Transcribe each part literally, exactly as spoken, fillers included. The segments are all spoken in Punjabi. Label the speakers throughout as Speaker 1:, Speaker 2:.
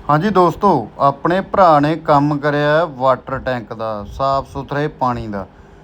Speaker 1: हाँ जी दोस्तों, अपने भरा ने काम करिया वाटर टैंक का साफ सुथरे पानी का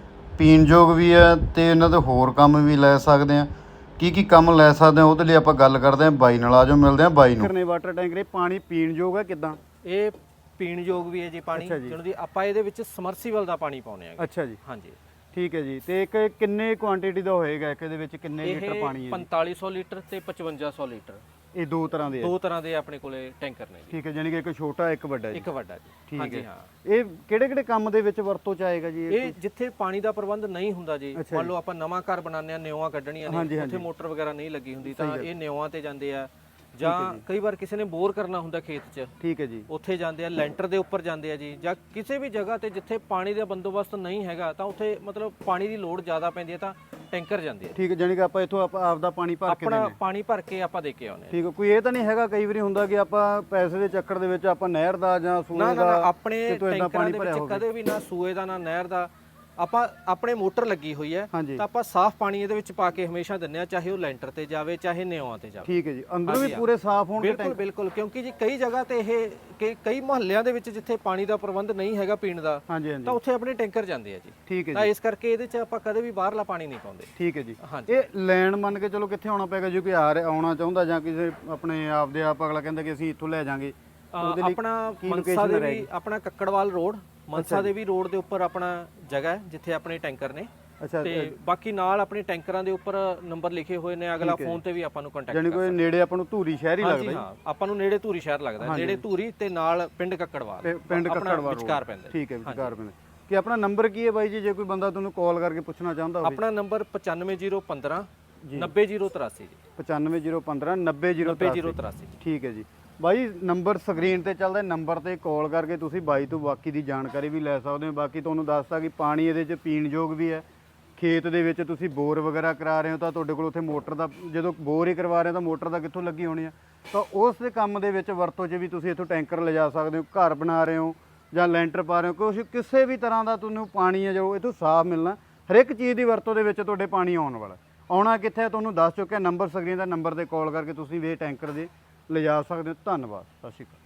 Speaker 1: पीणयोग भी है तो इन्हों के होर काम भी लै सकते हैं। की की काम लै सकते हैं वो लिए आप गल करते हैं बाई नाल। आ जाओ मिलते हैं बाई नूं।
Speaker 2: वाटर टैंक ने पानी पीणयोग है किदां?
Speaker 3: ਇਹ ਪੀਣ ਯੋਗ ਵੀ ਹੈ ਜੀ ਪਾਣੀ
Speaker 2: ਅੱਛਾ ਜੀ।
Speaker 3: ਜਿਹਨੂੰ ਦੀ ਆਪਾਂ ਇਹਦੇ ਵਿੱਚ ਸਮਰਸੀਬਲ ਦਾ ਪਾਣੀ ਪਾਉਨੇ ਆ।
Speaker 2: ਅੱਛਾ ਜੀ,
Speaker 3: ਹਾਂਜੀ
Speaker 2: ਠੀਕ ਹੈ ਜੀ। ਤੇ ਇੱਕ ਕਿੰਨੇ ਕੁਆਂਟੀਟੀ ਦਾ ਹੋਏਗਾ ਇੱਕ ਦੇ ਵਿੱਚ ਕਿੰਨੇ
Speaker 3: ਇਹ
Speaker 2: ਲੀਟਰ ਪਾਣੀ ਹੈ ਜੀ?
Speaker 3: ਪੰਤਾਲੀ ਸੌ ਲੀਟਰ ਤੇ ਪਚਵੰਜਾ ਸੌ ਲੀਟਰ
Speaker 2: ਇਹ ਦੋ ਤਰ੍ਹਾਂ ਦੇ ਹੈ?
Speaker 3: ਦੋ ਤਰ੍ਹਾਂ ਦੇ ਆਪਣੇ ਕੋਲੇ ਟੈਂਕਰ ਨੇ ਜੀ।
Speaker 2: ਠੀਕ ਹੈ, ਜਾਨੀ ਕਿ ਇੱਕ ਛੋਟਾ ਇੱਕ ਵੱਡਾ ਜੀ।
Speaker 3: ਇੱਕ ਵੱਡਾ ਜੀ।
Speaker 2: ਠੀਕ
Speaker 3: ਹਾਂਜੀ
Speaker 2: ਹੈ।
Speaker 3: ਹਾਂ।
Speaker 2: ਇਹ ਕਿਹੜੇ ਕਿਹੜੇ ਕੰਮ ਦੇ ਵਿੱਚ ਵਰਤੋਂ ਚ ਆਏਗਾ ਜੀ ਇਹ?
Speaker 3: ਇਹ ਜਿੱਥੇ ਪਾਣੀ ਦਾ ਪ੍ਰਬੰਧ ਨਹੀਂ ਹੁੰਦਾ ਜੀ,
Speaker 2: ਅੱਛਾ
Speaker 3: ਮੰਨ
Speaker 2: ਜੀ।
Speaker 3: ਲਓ ਆਪਾਂ ਨਵਾਂ ਘਰ ਬਣਾਉਂਦੇ ਆ, ਨਿਉਆਂ ਕੱਢਣੀਆਂ
Speaker 2: ਹਾਂਜੀ,
Speaker 3: ਨੇ,
Speaker 2: ਹਾਂਜੀ।
Speaker 3: ਉੱਥੇ ਮੋਟਰ ਵਗੈਰਾ ਨਹੀਂ ਲੱਗੀ ਹੁੰਦੀ
Speaker 2: ਸਹੀ
Speaker 3: ਤਾਂ
Speaker 2: ਗੱਲ।
Speaker 3: ਇਹ ਨਿਉਆਂ ਤੇ ਜਾਂਦੇ ਆ, ਜਾਂ ਕਈ ਵਾਰ ਕਿਸੇ ਨੇ ਬੋਰ ਕਰਨਾ ਹੁੰਦਾ ਖੇਤ 'ਚ,
Speaker 2: ਠੀਕ ਹੈ ਜੀ।
Speaker 3: ਉੱਥੇ ਜਾਂਦੇ ਆ, ਲੈਂਟਰ ਦੇ ਉੱਪਰ ਜਾਂਦੇ ਆ ਜੀ, ਜਾਂ ਕਿਸੇ ਵੀ ਜਗ੍ਹਾ ਤੇ ਜਿੱਥੇ ਪਾਣੀ ਦਾ ਬੰਦੋਬਸਤ ਨਹੀਂ ਹੈਗਾ ਤਾਂ ਉੱਥੇ ਮਤਲਬ ਪਾਣੀ ਦੀ ਲੋੜ ਜ਼ਿਆਦਾ ਪੈਂਦੀ ਹੈ ਤਾਂ ਟੈਂਕਰ ਜਾਂਦੇ ਆ।
Speaker 2: ਠੀਕ ਹੈ, ਜਾਨੀ ਕਿ ਆਪਾਂ ਇੱਥੋਂ ਆਪਾਂ ਆਪਦਾ ਪਾਣੀ ਭਰ ਕੇ
Speaker 3: ਆਪਣਾ
Speaker 2: ਦੇਣਾ।
Speaker 3: ਪਾਣੀ ਭਰ ਕੇ ਆਪਾਂ ਦੇ ਕੇ ਆਉਂਦੇ ਆ।
Speaker 2: ਠੀਕ ਹੈ, ਕੋਈ ਇਹ ਤਾਂ ਨਹੀਂ ਹੈਗਾ ਕਈ ਵਾਰੀ ਹੁੰਦਾ ਕਿ ਆਪਾਂ ਪੈਸੇ ਦੇ ਚੱਕਰ ਦੇ ਵਿੱਚ ਆਪਾਂ ਨਹਿਰ ਦਾ ਜਾਂ ਸੂਏ
Speaker 3: ਨਾ
Speaker 2: ਦਾ
Speaker 3: ਨਾ ਨਾ, ਆਪਣੇ
Speaker 2: ਕਿਤੋਂ ਏਦਾਂ
Speaker 3: ਟੈਂਕਰਾਂ
Speaker 2: ਪਾਣੀ
Speaker 3: ਦੇ
Speaker 2: ਭਰਿਆ
Speaker 3: ਵਿੱਚ
Speaker 2: ਹੋਵੇ?
Speaker 3: ਕਦੇ ਵੀ ਨਾ ਸੂਏ ਦਾ ਨਾ ਨਹਿਰ ਦਾ, ਆਪਾਂ ਆਪਣੇ ਮੋਟਰ ਲੱਗੀ ਹੋਈ ਹੈ
Speaker 2: ਹਾਂਜੀ।
Speaker 3: ਤਾਂ ਆਪਾਂ ਸਾਫ਼ ਪਾਣੀ ਇਹਦੇ ਵਿੱਚ ਪਾ ਕੇ ਹਮੇਸ਼ਾ ਦਿੰਦੇ ਆ, ਚਾਹੇ ਉਹ ਲੈਂਟਰ ਤੇ ਜਾਵੇ ਚਾਹੇ ਨਿਉਆਂ ਤੇ ਜਾਵੇ।
Speaker 2: ਠੀਕ ਹੈ ਜੀ, ਅੰਦਰੋਂ ਵੀ
Speaker 3: ਹਾਂਜੀ,
Speaker 2: ਪੂਰੇ ਸਾਫ਼ ਹੋਣਗੇ
Speaker 3: ਬਿਲਕੁਲ
Speaker 2: ਟੈਂਕ?
Speaker 3: ਬਿਲਕੁਲ, ਕਿਉਂਕਿ ਜੀ ਕਈ ਜਗ੍ਹਾ ਤੇ ਇਹ ਕਿ ਕਈ ਮੁਹੱਲਿਆਂ ਦੇ ਵਿੱਚ ਜਿੱਥੇ ਪਾਣੀ ਦਾ ਪ੍ਰਬੰਧ ਨਹੀਂ ਹੈਗਾ ਪੀਣ ਦਾ,
Speaker 2: ਹਾਂਜੀ
Speaker 3: ਤਾਂ
Speaker 2: ਹਾਂਜੀ,
Speaker 3: ਉੱਥੇ ਆਪਣੇ ਟੈਂਕਰ ਜਾਂਦੇ ਆ ਜੀ।
Speaker 2: ਠੀਕ ਹੈ
Speaker 3: ਤਾਂ
Speaker 2: ਜੀ।
Speaker 3: ਇਸ ਕਰਕੇ ਇਹਦੇ 'ਚ ਆਪਾਂ ਕਦੇ ਵੀ ਬਾਹਰਲਾ ਪਾਣੀ ਨਹੀਂ ਪਾਉਂਦੇ।
Speaker 2: ਠੀਕ ਹੈ ਜੀ।
Speaker 3: ਹਾਂਜੀ।
Speaker 2: ਇਹ ਲੈਣ ਮੰਨ ਕੇ ਚਲੋ ਕਿੱਥੇ ਆਉਣਾ ਪਏਗਾ ਜੇ ਕੋਈ ਆ ਰਿਹਾ ਆਉਣਾ ਚਾਹੁੰਦਾ ਜਾਂ ਕਿਸੇ ਆਪਣੇ ਆਪ ਦੇ ਆਪ ਅਗਲਾ ਕਹਿੰਦਾ ਕਿ ਅਸੀਂ ਇੱਥੋਂ ਲੈ ਜਾਾਂਗੇ?
Speaker 3: ਅਹ ਆਪਣਾ ਮਨਸਾ ਦੇ ਵੀ ਆਪਣਾ ਕੱਕੜਵਾਲ ਰੋਡ, ਮਨਸਾ ਦੇ ਵੀ ਰੋਡ ਦੇ ਉੱਪਰ ਆਪਣਾ ਜਗ੍ਹਾ ਹੈ ਜਿੱਥੇ ਆਪਣੇ ਟੈਂਕਰ ਨੇ।
Speaker 2: ਅੱਛਾ,
Speaker 3: ਤੇ ਬਾਕੀ ਨਾਲ ਆਪਣੇ ਟੈਂਕਰਾਂ ਦੇ ਉੱਪਰ ਨੰਬਰ ਲਿਖੇ ਹੋਏ ਨੇ, ਅਗਲਾ ਫੋਨ ਤੇ ਵੀ ਆਪਾਂ ਨੂੰ ਕੰਟੈਕਟ
Speaker 2: ਜਾਨੀ ਕੋਈ ਨੇੜੇ ਆਪਾਂ ਨੂੰ ਧੂਰੀ ਸ਼ਹਿਰ ਹੀ ਲੱਗਦਾ
Speaker 3: ਹਾਂਜੀ
Speaker 2: ਜੀ?
Speaker 3: ਹਾਂ, ਆਪਾਂ ਨੂੰ ਨੇੜੇ ਧੂਰੀ ਸ਼ਹਿਰ ਲੱਗਦਾ, ਨੇੜੇ ਧੂਰੀ ਤੇ ਨਾਲ ਪਿੰਡ ਕੱਕੜਵਾਲ,
Speaker 2: ਤੇ ਪਿੰਡ
Speaker 3: ਆਪਣਾ
Speaker 2: ਕੱਕੜਵਾਲ
Speaker 3: ਵਿਚਕਾਰ ਪੈਂਦਾ।
Speaker 2: ਠੀਕ ਹੈ, ਵਿਚਕਾਰ ਪੈਂਦਾ। ਕਿ ਆਪਣਾ ਨੰਬਰ ਕੀ ਹੈ ਬਾਈ ਜੀ, ਜੇ ਕੋਈ ਬੰਦਾ ਤੁਹਾਨੂੰ ਕਾਲ ਕਰਕੇ ਪੁੱਛਣਾ ਚਾਹੁੰਦਾ ਹੋਵੇ?
Speaker 3: ਆਪਣਾ ਨੰਬਰ ਪਚਾਨਵੇਂ ਜ਼ੀਰੋ ਪੰਦਰਾਂ ਨੱਬੇ ਜ਼ੀਰੋ ਤਰਾਸੀ ਜੀ।
Speaker 2: ਪਚਾਨਵੇਂ ਜ਼ੀਰੋ ਪੰਦਰਾਂ ਨੱਬੇ ਜ਼ੀਰੋ
Speaker 3: ਤਰਾਸੀ।
Speaker 2: ਠੀਕ ਹੈ ਜੀ ਬਾਈ, ਨੰਬਰ ਸਕਰੀਨ ਤੇ ਚੱਲਦਾ, ਨੰਬਰ ਤੇ ਕਾਲ ਕਰਕੇ ਤੁਸੀਂ ਬਾਈ ਤੋਂ ਬਾਕੀ ਦੀ ਜਾਣਕਾਰੀ ਵੀ ਲੈ ਸਕਦੇ ਹੋ। ਬਾਕੀ ਤੁਹਾਨੂੰ ਦੱਸਤਾ ਕਿ ਪਾਣੀ ਇਹਦੇ 'ਚ ਪੀਣ ਯੋਗ ਵੀ ਹੈ। ਖੇਤ ਦੇ ਵਿੱਚ ਤੁਸੀਂ ਬੋਰ ਵਗੈਰਾ ਕਰਾ ਰਹੇ ਹੋ ਤਾਂ ਤੁਹਾਡੇ ਕੋਲ ਉੱਥੇ ਮੋਟਰ ਦਾ, ਜਦੋਂ ਬੋਰ ਹੀ ਕਰਵਾ ਰਹੇ ਹੋ ਤਾਂ ਮੋਟਰ ਦਾ ਕਿੱਥੋਂ ਲੱਗੀ ਹੋਣੀ ਆ, ਤਾਂ ਉਸ ਦੇ ਕੰਮ ਦੇ ਵਿੱਚ ਵਰਤੋਂ 'ਚ ਵੀ ਤੁਸੀਂ ਇੱਥੋਂ ਟੈਂਕਰ ਲਿਜਾ ਸਕਦੇ ਹੋ। ਘਰ ਬਣਾ ਰਹੇ ਹੋ ਜਾਂ ਲੈਂਟਰ ਪਾ ਰਹੇ ਹੋ, ਕੁਛ ਕਿਸੇ ਵੀ ਤਰ੍ਹਾਂ ਦਾ ਤੁਹਾਨੂੰ ਪਾਣੀ ਹੈ ਜੋ ਇੱਥੋਂ ਸਾਫ਼ ਮਿਲਣਾ। ਹਰ ਇੱਕ ਚੀਜ਼ ਦੀ ਵਰਤੋਂ ਦੇ ਵਿੱਚ ਤੁਹਾਡੇ ਪਾਣੀ ਆਉਣ ਵਾਲਾ। ਆਉਣਾ ਕਿੱਥੇ ਤੁਹਾਨੂੰ ਦੱਸ ਚੁੱਕਿਆ, ਨੰਬਰ ਸਕਰੀਨ ਦਾ ਨੰਬਰ ਤੇ ਕਾਲ ਕਰਕੇ ਤੁਸੀਂ ਵੀ ਇਹ ਟੈਂਕਰ ਦੇ ਲਿਜਾ ਸਕਦੇ ਹੋ। ਧੰਨਵਾਦ, ਸਤਿ ਸ਼੍ਰੀ ਅਕਾਲ।